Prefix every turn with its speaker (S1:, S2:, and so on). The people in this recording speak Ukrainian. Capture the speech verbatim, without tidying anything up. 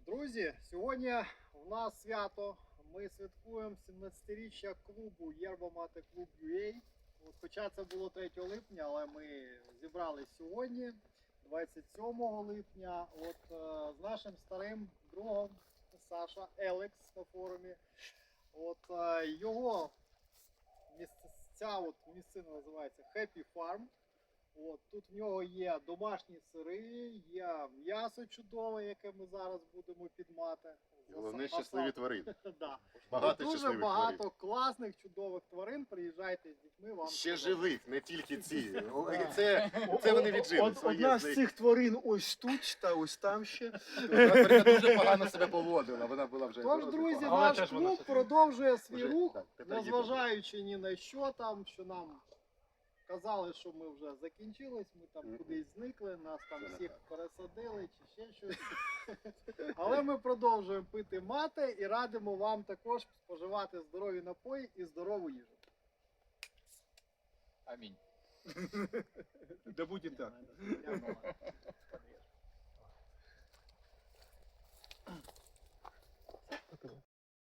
S1: Друзі, сьогодні у нас свято. Ми святкуємо сімнадцятиріччя клубу Yerba Mate Club ю ей. От, хоча це було третього липня, але ми зібрались сьогодні, двадцять сьомого липня, от, е, з нашим старим другом Саша Елекс на форумі. От, е, його місце, ця от місцина називається Happy Farm. От, тут в нього є домашні сири, є м'ясо чудове, яке ми зараз будемо підмати.
S2: Головне, щасливі тварини.
S1: Да.
S2: Багато
S1: Дуже
S2: щасливих
S1: багато
S2: тварин.
S1: класних, чудових тварин. Приїжджайте з дітьми, вам
S2: Ще
S1: сподобається.
S2: живих, не тільки ці. О, і Це, це вони віджили.
S3: Од-
S2: своє
S3: Одна
S2: з
S3: з
S2: них.
S3: цих тварин ось тут, та ось там ще.
S2: Тварина дуже погано себе поводила, вона була вже
S1: Тож,
S2: дуже
S1: друзі,
S2: погана.
S3: Але
S1: наш
S3: теж вона
S1: клуб
S3: щось-
S1: продовжує свій
S2: Вже,
S1: рух,
S2: так, тепер їде.
S1: незважаючи ні на що там, що нам казали, що ми вже закінчились, ми там
S2: Мгм.
S1: кудись зникли, нас там
S2: Це не
S1: всіх
S2: так.
S1: пересадили чи ще щось. Але ми продовжуємо пити мати і радимо вам також споживати здорові напої і здорову їжу.
S4: Амінь.
S3: Да буде так.
S1: Дякую.